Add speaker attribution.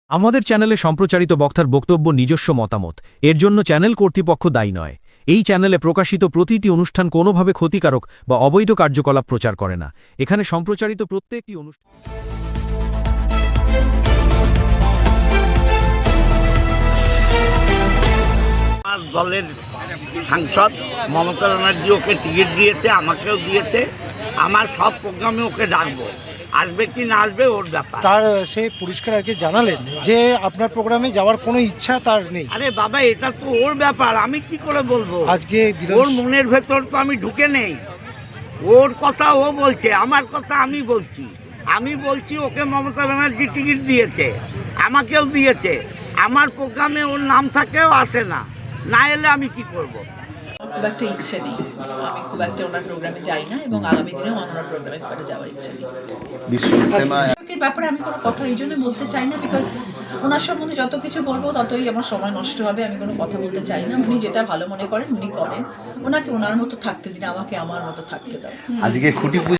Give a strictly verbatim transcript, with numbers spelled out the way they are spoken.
Speaker 1: আমাদের চ্যানেলে সম্প্রচারিত বক্তার বক্তব্য নিজস্ব মতামত, এর জন্য চ্যানেল কর্তৃপক্ষ দায়ী নয়। এই চ্যানেলে প্রকাশিত প্রতিটি অনুষ্ঠান কোনোভাবে ক্ষতিকারক বা অবৈধ কার্যকলাপ প্রচার করে না। এখানে সম্প্রচারিত প্রত্যেকটি অনুষ্ঠান
Speaker 2: আমার দলের সাংসদ মমতা ব্যানার্জি ওকে টিকিট দিয়েছে, আমাকেও দিয়েছে। আমার সব প্রোগ্রামে ওকে ডাকবো, আসবে কি না আসবে ওর ব্যাপার।
Speaker 3: তার সে পরিষ্কার আগে জানালেন যে আপনার প্রোগ্রামে যাওয়ার কোনো ইচ্ছা তার নেই।
Speaker 2: আরে বাবা, এটা তো ওর ব্যাপার, আমি কি করে বলবো?
Speaker 3: আজকে বিধান-
Speaker 2: ওর মনের ভেতর তো আমি ঢুকে নেই। ওর কথা ও বলছে, আমার কথা আমি বলছি। আমি বলছি ওকে মমতা ব্যানার্জি টিকিট দিয়েছে, আমাকেও দিয়েছে। আমার প্রোগ্রামে ওর নাম থাকেও আসে না, না এলে আমি কি করব?
Speaker 4: খুব একটা ইচ্ছে নেই, আমি খুব একটা ওনার প্রোগ্রামে যাই না এবং আগামী দিনেও আমার ওনার প্রোগ্রামে খুব একটা যাওয়ার ইচ্ছে নেই।
Speaker 5: বিশ্ব ইজতেমা
Speaker 4: এর ব্যাপারে আমি কোনো কথা এই জন্য বলতে চাই না, বিকজ ওনার সম্বন্ধে যত কিছু বলবো ততই আমার সময় নষ্ট হবে। আমি কোনো কথা বলতে চাই না। উনি যেটা ভালো মনে করেন উনি করেন, ওনাকে ওনার মতো থাকতে দিন, আমাকে আমার মতো থাকতে দাও।
Speaker 5: আজকে খুঁটি